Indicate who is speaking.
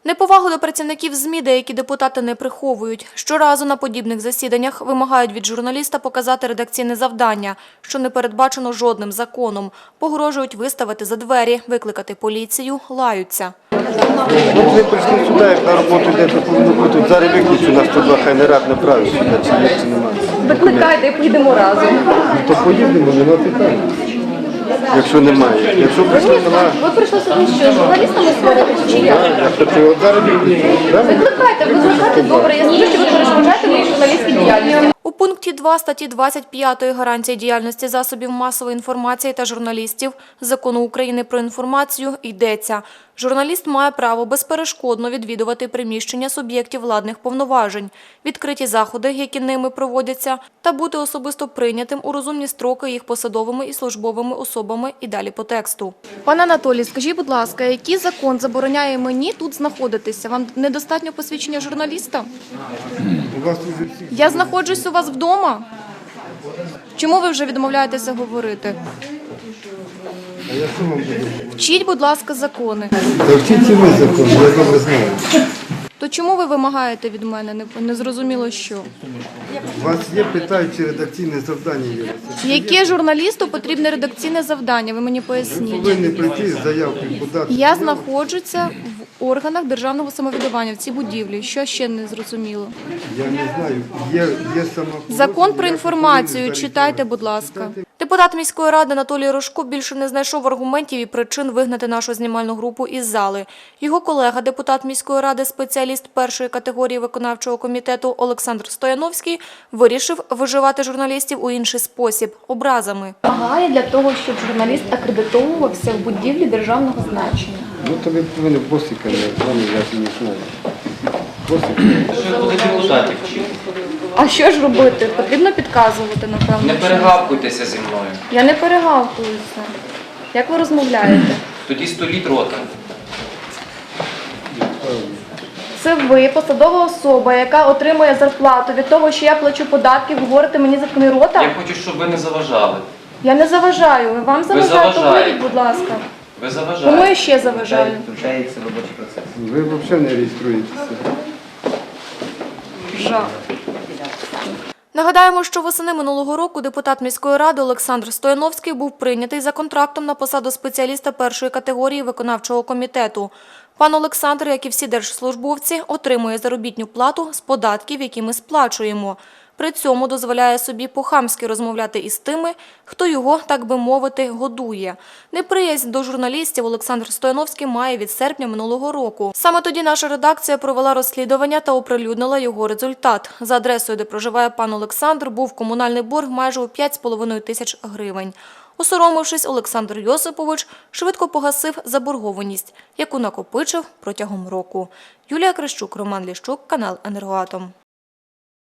Speaker 1: Неповагу до працівників ЗМІ деякі депутати не приховують. Щоразу на подібних засіданнях вимагають від журналіста показати редакційне завдання, що не передбачено жодним законом. Погрожують виставити за двері, викликати поліцію, лаються.
Speaker 2: Ми прийшли сюди, як на роботу йде, то повинно бути. Зараз виключу, нас тут два хай не рад направить сюди, чи є, чи немає.
Speaker 3: Викликайте, поїдемо разом.
Speaker 2: То поїдемо, нема питань. Якщо немає. Якщо прийшли, немає.
Speaker 3: Ви прийшли сюди що, журналістами сваритися чи як?
Speaker 2: От зараз виключу.
Speaker 3: Викликайте, добре. Я скажу, що ви перешкоджаєте моїй журналістській діяльності.
Speaker 1: У пункті 2 статті 25 гарантії діяльності засобів масової інформації та журналістів Закону України про інформацію йдеться. Журналіст має право безперешкодно відвідувати приміщення суб'єктів владних повноважень, відкриті заходи, які ними проводяться, та бути особисто прийнятим у розумні строки їх посадовими і службовими особами і далі по тексту. Пане Анатолій, скажіть, будь ласка, який закон забороняє мені тут знаходитися? Вам недостатньо посвідчення журналіста?
Speaker 2: У вас вже всі.
Speaker 1: Я знаходжусь у вас вдома. Чому ви вже відмовляєтеся говорити?
Speaker 2: А я що вам буду?
Speaker 1: Вчіть, будь ласка, закони.
Speaker 2: Та вчіть і ви закон, я добре знаю.
Speaker 1: То чому ви вимагаєте від мене? Не зрозуміло що.
Speaker 2: У вас є, питають, чи редакційне завдання є.
Speaker 1: Яке журналісту потрібне редакційне завдання? Ви мені поясніть.
Speaker 2: Повинні прийти з заявкою подати.
Speaker 1: Я знаходжуся в органах державного самоврядування в цій будівлі. Що ще не зрозуміло?
Speaker 2: Я не знаю, є сама...
Speaker 1: Закон про інформацію читайте, будь ласка. Депутат міської ради Анатолій Рожко більше не знайшов аргументів і причин вигнати нашу знімальну групу із зали. Його колега, депутат міської ради, спеціаліст першої категорії виконавчого комітету Олександр Стояновський, вирішив виживати журналістів у інший спосіб – образами.
Speaker 3: Вимагає для того, щоб журналіст акредитовувався в будівлі державного значення.
Speaker 2: Ну, то ви повинні босика, я не знаю.
Speaker 4: Що буде депутатів?
Speaker 3: А що ж робити? Потрібно підказувати, напевно.
Speaker 4: Не перегавкуйтеся зі мною.
Speaker 3: Я не перегавкуюся. Як ви розмовляєте?
Speaker 4: Тоді століть рота.
Speaker 3: Це ви, посадова особа, яка отримує зарплату від того, що я плачу податки, ви говорите мені заткни рота?
Speaker 4: Я хочу, щоб ви не заважали.
Speaker 3: Я не заважаю. Вам заважаю, то вийдіть, будь ласка.
Speaker 4: Ви
Speaker 3: Кому
Speaker 4: заважаєте.
Speaker 3: я ще заважаю?
Speaker 4: Втручається робочий процес.
Speaker 2: Ви взагалі не реєструєтеся.
Speaker 3: Жах.
Speaker 1: Нагадаємо, що восени минулого року депутат міської ради Олександр Стояновський був прийнятий за контрактом на посаду спеціаліста першої категорії виконавчого комітету. Пан Олександр, як і всі держслужбовці, отримує заробітну плату з податків, які ми сплачуємо. При цьому дозволяє собі по-хамськи розмовляти із тими, хто його, так би мовити, годує. Неприязнь до журналістів Олександр Стояновський має від серпня минулого року. Саме тоді наша редакція провела розслідування та оприлюднила його результат. За адресою, де проживає пан Олександр, був комунальний борг майже у 5,5 тисяч гривень. Осоромившись, Олександр Йосипович швидко погасив заборгованість, яку накопичив протягом року. Юлія Крищук, Роман Ліщук, канал «Енергоатом».